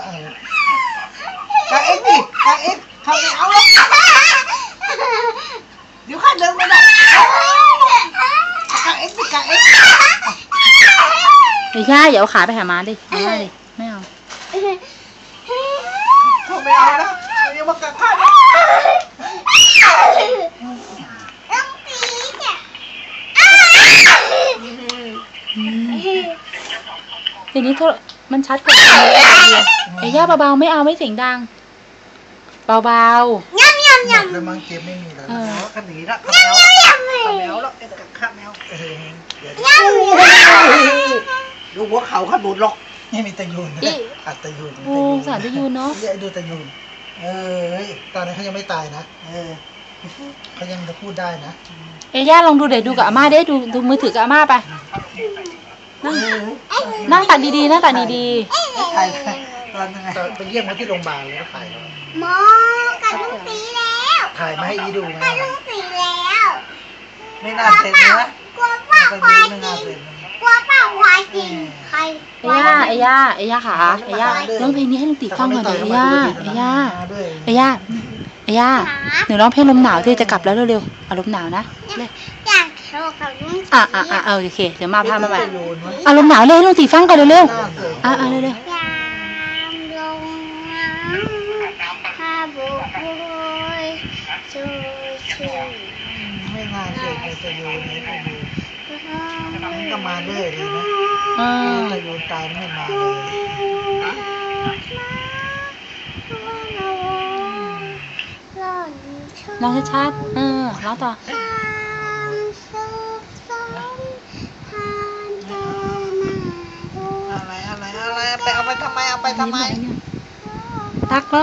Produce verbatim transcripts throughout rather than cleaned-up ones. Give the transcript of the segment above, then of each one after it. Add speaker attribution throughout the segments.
Speaker 1: กางเอ็กดิกางเอ็กเขาไม่เอาแล้วเดี๋ยวข้าเดินไม่ได้กางเอ็กดิกางเอ็ก
Speaker 2: ไม่ใช่อย่าเอาขาไปหาม้าดิไม่ได้ดิไม่เอา
Speaker 1: เขาไม่เอานะเดี๋ยวมากางผ้านะ
Speaker 2: ทีนี้มันชัดกว่าไอ้ย่าเบาๆไม่เอาไม่เสียงดังเบาๆ
Speaker 1: ย่ำย่ำย่ำแล้วมังเก็บไม่มีแล้วแล้วขันหนีละขันแมวขันแมวแล้วขันแมวดูหัวเข่าขันบุญหรอกนี่มีตะยูนอัดตะยูน
Speaker 2: โอ้สารตะยูนเนาะ
Speaker 1: ดูตะยูนเออตอนนี้เขายังไม่ตายนะเออเขายังจะพูดได้นะ
Speaker 2: เอ้ย่าลองดูเดี๋ยวดูกับอาม่าได้ดูดูมือถือกับอาม่าไปนั่งนั่งตัดดีๆนั่งตัดดี
Speaker 1: ๆถ่ายตอนยังไงไปเยี่ยมเขาที่โรงพยาบาลแล้วถ่าย
Speaker 3: หมอกัดลุงสีแล้ว
Speaker 1: ถ่ายมาให้อีดูไง
Speaker 3: กัดลุงสีแล้ว
Speaker 1: ไม่น่าเสร็จนะ
Speaker 3: กลัวป้าควายกินกลัวป้าควายกินใคร
Speaker 2: เอ้ย่าเอ้ย่าเอ้ย่าขาเอ้ย่าร้องเพลงนี้ให้ลุงตีฟังก่อนเดี๋ยวเอ้ย่าเอ้ย่าเอ้ย่าเอ้ย่าหนูร้องเพลงลมหนาวที่จะกลับแล้วเร็วๆเอาลมหนาวนะ
Speaker 3: อยากโชว์กับลุง
Speaker 2: อ่ะอ่ะอ่ะเอาโอเคเดี๋ยวมาพามาใหม่เอาลมหนาวเลยลุงตีฟังก่อนเร็วๆอ่ะอ่ะเร็วๆ
Speaker 1: ไม่ง่ายเลยจะโยนนี่ก็ดูมันก็มาเรื่อยเลยนะจะโยนตายไม่มา
Speaker 2: เลยลองชัดๆเออร้องต่อ
Speaker 1: อะไรอะไรอะไรไปเอาไปทำไมเอาไปทำไม
Speaker 2: ตักเหรอ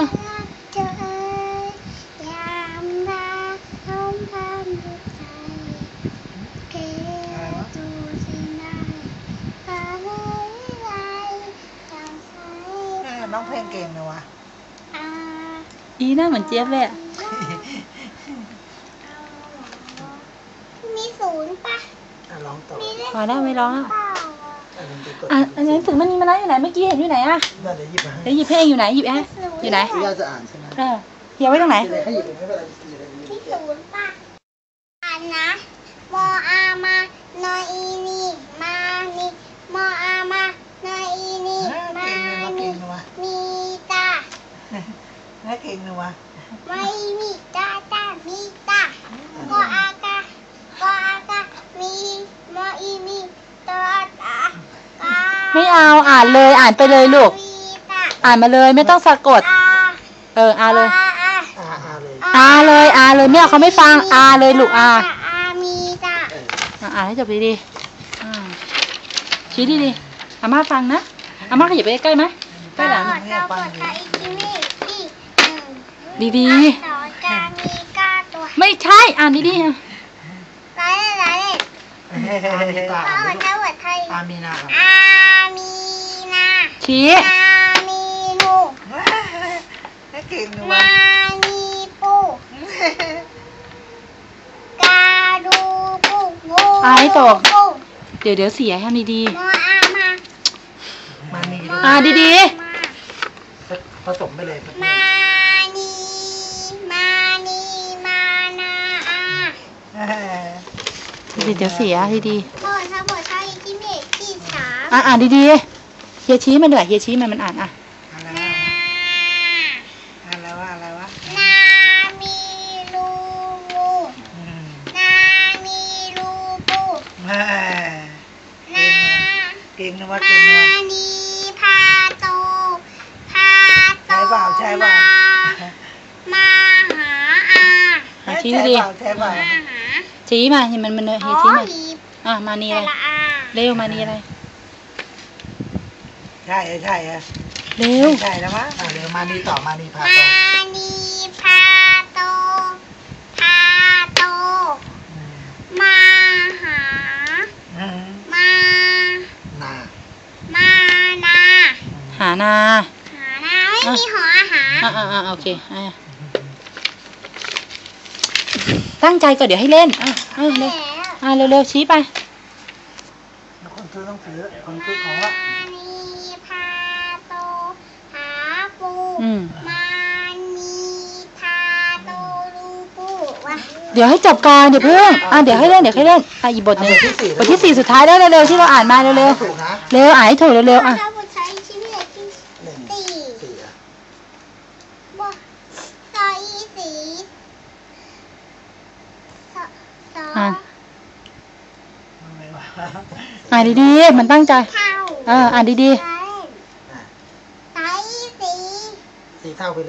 Speaker 1: น้องเพลงเก่งเลยวะ
Speaker 2: อีน่าเหมือนเจี๊ยบเลย
Speaker 3: มีศูนย์ปะ
Speaker 1: ร้องต่อ
Speaker 2: พอได้ไม่ร้องอ่ะอ่ะอันนี้ถึงมันนี่มาแล้วอยู่ไหนเมื่อกี้เห็นอยู่ไหนอ่ะ
Speaker 1: เดี๋ยวหยิบ
Speaker 2: เดี๋ยวหยิบเพลงอยู่ไหนหยิบแอะอยู่ไหน
Speaker 1: ย่าจะอ่านใช่ไหม
Speaker 2: เออเฮียไว้ตรงไหน
Speaker 3: ที่ศูนย์ปะอ่านนะมออามานออีนีมานีมออามานออีนีมานีมีตา
Speaker 1: แม่เก่งเลยวะ
Speaker 3: ไม่มีตาตามีตากออากากออากามีมออีมีตาตา
Speaker 2: ไม่เอาอ่านเลยอ่านไปเลยลูกอ่านมาเลยไม่ต้องสะกดเอออ่านเลยอ่านเลยอ่านเลยแม่เขาไม่ฟังอ่านเลยลูกอ่านอ่านให้จบดีๆชี้ดีๆอาม่าฟังนะอาม่าขยับไปใกล้ไหมใกล้หลังดีๆไม่ใช่อ่านดีๆ
Speaker 1: อามีนา
Speaker 3: อามีนา
Speaker 2: ชี้
Speaker 3: อามีนู
Speaker 1: เก่งเลยวะ
Speaker 3: นามีปูกาดูปูงู
Speaker 2: อ่านให้ตกเดี๋ยวเดี๋ยวเสียให้ดี
Speaker 3: ๆมออามา
Speaker 1: มานี
Speaker 2: อ่านดี
Speaker 1: ๆผสมไปเลย
Speaker 3: มานีมานีมานาอา
Speaker 2: เดี๋ยวเสียดี
Speaker 3: ๆพ่อถ้าพ่อใช้ที่เมฆที่สาม
Speaker 2: อ่านอ่านดีๆเฮียชี้มันเหนื่อยเฮียชี้มันมันอ่านอ่ะ
Speaker 1: อะไรวะอะไรวะ
Speaker 3: นามีลูงูนามีลูปูนา
Speaker 1: เก่งนะวะเก่งนะ
Speaker 3: มานีพาโตพาโต
Speaker 1: ใช่เปล่าใช่เปล่า
Speaker 3: มาหาอา
Speaker 2: ชี้ดี
Speaker 1: ใช่เปล่า
Speaker 2: ชี้มาเห็นมันมันเฮียชี้มาอ่ะมานีอะไรเร็วมานีอะไร
Speaker 1: ใช่ใช่
Speaker 2: เร็ว
Speaker 1: ใช่แล้วมั้งเร็วมานีต่อมานีพาโต
Speaker 3: มานีพาโตพาโตมาหามา
Speaker 1: นา
Speaker 3: มานา
Speaker 2: หานา
Speaker 3: หานาไม่มีหออาหาร
Speaker 2: อ่าอ่าโอเคตั้งใจก่อนเดี๋ยวให้เล่นอ่ะเร็วอ่ะเร็วๆชี้ไป
Speaker 1: คนซื้อต้องซื้อคนซื้อของละ
Speaker 3: มานีพาโตหา
Speaker 2: อืม
Speaker 3: มานีทาโตรูปูวะ
Speaker 2: เดี๋ยวให้จบก่อนเดี๋ยวเพิ่งอ่ะเดี๋ยวให้เล่นเดี๋ยวให้เล่นอ่ะอีกบทหนึ่งบทที่สี่สุดท้ายได้เร็วๆที่เราอ่านมาเร็ว
Speaker 1: ถูกนะ
Speaker 2: ๆเร็วอ่านให้ถูกเร็วๆอ่ะ
Speaker 3: ถ้าบุตรใช้ชีวิตที่
Speaker 1: หนึ่ง
Speaker 3: สี่
Speaker 1: สี่อ่ะ
Speaker 3: บ่ซออีสีซอซอ
Speaker 2: อ่าน
Speaker 1: อะไรวะ
Speaker 2: อ่านดีๆมันตั้งใจ
Speaker 3: เท่า
Speaker 2: เอออ่านดี
Speaker 3: ใช่
Speaker 1: อ่ะ
Speaker 3: ซออีสี
Speaker 1: สี่เท่าไปเลย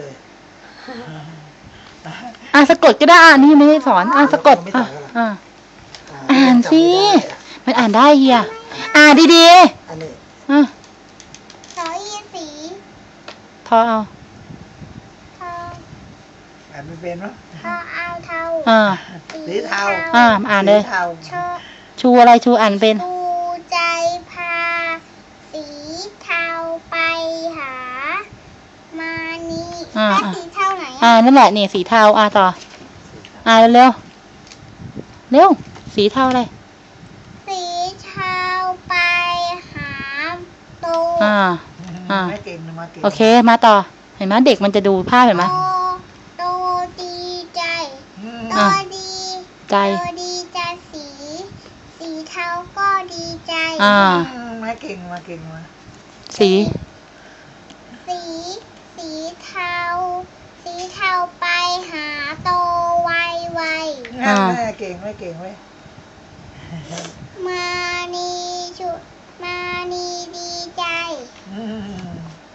Speaker 2: ๆอ่ะสะกดก็ได้อ่ะนี่ไม่ได้สอนอ่ะสะกดอ่ะอ่ะ อ่านสิ มันอ่านได้เฮียอ่านดี
Speaker 1: อันนี้
Speaker 2: ๆอ่ะ
Speaker 3: ซออีสี
Speaker 2: ทอเอา
Speaker 3: ทอ
Speaker 1: อ่านไม่เป็นวะ
Speaker 3: ทอเอาเท่า
Speaker 2: อ่า
Speaker 1: สีเทา
Speaker 2: อ่าอ่านเลย
Speaker 1: สีเทา
Speaker 3: ชอ
Speaker 2: ชูอะไรชูอ่านเป็น
Speaker 3: ดูใจพา สีเทาไปหา มานีแล้วสีเทาไหน
Speaker 2: อ่า
Speaker 3: อ่ะ
Speaker 2: นั่นแหละนี่สีเทาอ่าต่อ อ่าเร็วๆเร็วสีเทาอะไร
Speaker 3: สีเทาไปหาโต
Speaker 2: อ่า อ่า
Speaker 1: ไม่เก่งนะมาเก่ง
Speaker 2: โอเคมาต่อเห็นไหมเด็กมันจะดูภาพเห็นไหม
Speaker 3: โตโตดีใจ
Speaker 1: อืม
Speaker 3: โต
Speaker 2: อ่ะ
Speaker 3: ดี
Speaker 2: ใจ
Speaker 3: โตดีใจสี สีเทาก็ดีใจ
Speaker 2: อ่า
Speaker 1: อืมไม่เก่งมาเก่งมา
Speaker 2: สี
Speaker 3: สี สีเทา สีเทาไปหาโตไวไว
Speaker 1: งั้นแม่เก่งไม่เก่งไว้ย
Speaker 3: มานีชุมานีดีใจ
Speaker 1: อืม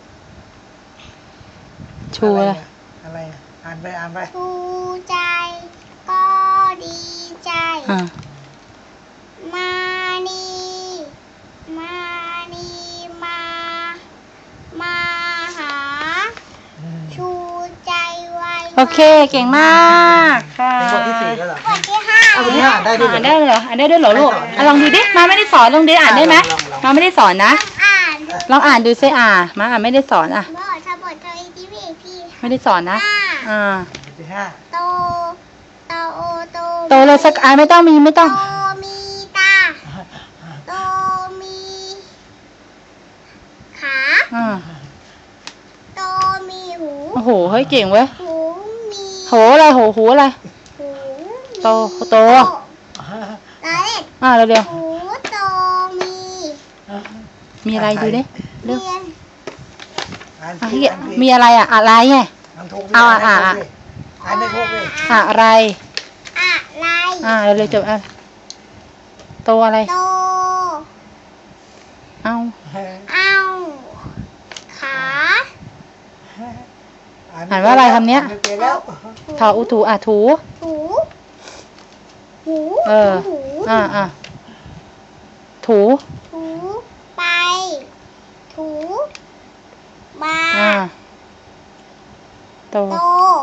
Speaker 2: ชูอะไร
Speaker 1: อะไรอ่ะอ่านไปอ่านไป
Speaker 3: ชูใจ ก็ดีใจ
Speaker 2: อ่า
Speaker 3: มานีมานีมา มาหา
Speaker 1: อืม
Speaker 3: ชูใจไว
Speaker 2: โอเคเก่งมากค่ะ
Speaker 1: เป็นบทที่สี่แล้วเหรอ
Speaker 3: บทที่ห้า
Speaker 1: เอาบทที่ห้าอ่านได้ด้วยเหรอ
Speaker 2: อ่านได้เหรออ่านได้ด้วยเหรอลูก
Speaker 1: ไม่สอน
Speaker 2: อ่ะลองดูดิมาไม่ได้สอนลองดิอ่านได้ไหม
Speaker 1: ลองลอง
Speaker 2: มาไม่ได้สอนนะ
Speaker 3: อ่าน
Speaker 2: ลองอ่านดูซิอ่ามาอ่านไม่ได้สอนอ่ะ
Speaker 3: บทถ้าบทตัวอีพีพี่
Speaker 2: ไม่ได้สอนนะ
Speaker 3: ห้า
Speaker 2: อ่า
Speaker 1: บทที่ห้า
Speaker 3: โตโตโอโต
Speaker 2: โตเลยสักอ่านไม่ต้องมีไม่ต้อง
Speaker 3: โตมีตา โตมีขา
Speaker 2: อ่า
Speaker 3: โตมีหู
Speaker 2: โอ้โหเฮ้ยเก่งเว้ย
Speaker 3: หูมี
Speaker 2: โหอะไรโหหูอะไร
Speaker 3: หูมี
Speaker 2: โตโต
Speaker 3: แล้วเด็ก
Speaker 2: อ่าเร็ว
Speaker 3: หูโตมี
Speaker 2: ๆมีอะไรดูดิเร็ว
Speaker 3: เรียน
Speaker 1: อ่าน
Speaker 2: อ่ะ
Speaker 1: ผิ
Speaker 2: เฮี
Speaker 1: ด
Speaker 2: ย
Speaker 1: อ่านผิด
Speaker 2: มีอะไรอ่ะอะไรไง
Speaker 1: อ่านถูกดิ
Speaker 2: เอาอ่ะอ่ะ
Speaker 1: อ่านไม่ถูกเลย
Speaker 2: อะไร
Speaker 3: อะไร
Speaker 2: อ่าเร็วๆจบอ่ะโตอะไร
Speaker 3: โต
Speaker 2: เอา
Speaker 3: เอาขา
Speaker 2: อ่านว่าอะไรคำเนี้ย
Speaker 1: อ่านไม่เป็นแล้ว
Speaker 2: ทออุถูอ่ะถู
Speaker 3: หูหู
Speaker 2: เออ
Speaker 3: หู
Speaker 2: อ่าอ่าถู
Speaker 3: ถูไป ถูมา
Speaker 2: อ่าโต
Speaker 3: โต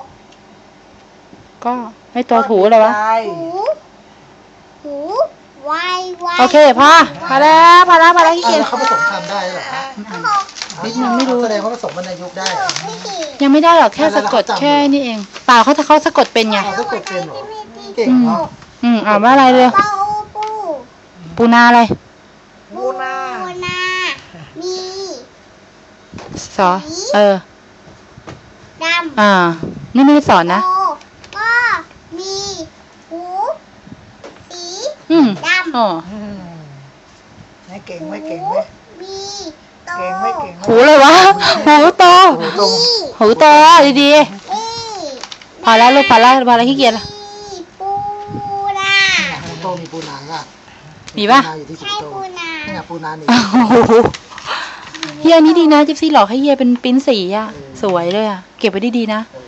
Speaker 2: ก็ไม่ตัวถูเลยวะ
Speaker 1: ใจ
Speaker 3: หูหูไวไว
Speaker 2: โอเคพอพอแล้วพอแล้วพอแล้วขี้
Speaker 1: อ่ะ
Speaker 2: เกียจ
Speaker 1: แล้วเขาผสมคำได้เหรอฮะ
Speaker 2: นิดนึงไม่รู้
Speaker 1: แสดงว่าผสมวรรณยุกต์ได้เหรอ
Speaker 3: พี่สี่
Speaker 2: ยังไม่ได้หรอกแค่สะกดแค่นี้เองเปล่าเขาถ้าเขาสะกดเป็นไง
Speaker 1: อ๋อสะกดเป็นเหรอ เก่ง
Speaker 2: อืม
Speaker 1: เนาะ
Speaker 2: อืมอ่านว่าอะไรเลย
Speaker 3: เป้าปู
Speaker 2: ปูนาอะไร
Speaker 1: ปูนา
Speaker 3: ปูนา มี
Speaker 2: สอเออ
Speaker 3: ดำ
Speaker 2: อ่า นี่ไม่ได้สอนนะ
Speaker 3: โตก็มีหูสี
Speaker 2: อืม
Speaker 3: ดำ
Speaker 2: อ๋อ
Speaker 1: อืมไม่เก่งไม่เก่งไหม
Speaker 3: มีโต
Speaker 1: เก่งไม่เก่งไหม
Speaker 2: หูเลยวะหูโต
Speaker 1: หูตรง
Speaker 2: หูโตดี
Speaker 3: นี่
Speaker 2: ๆพอแล้วลูกพอแล้วพอแล้วขี้เกียจละ
Speaker 3: มีปูนา
Speaker 1: หูโตมีปูนาอ่ะ
Speaker 2: มีปะ
Speaker 1: ปูนาอยู่ที่หู
Speaker 3: ใช่
Speaker 1: โต
Speaker 3: ปูนา
Speaker 1: นี่ไงปูนานี่
Speaker 2: โอ้โหเฮียอันนี้ดีนะจิ๊บซี่หลอกให้เฮียเป็นปริ้นสีอ่ะ สวยเลยอ่ะ เก็บไว้ดีๆนะ
Speaker 1: เออ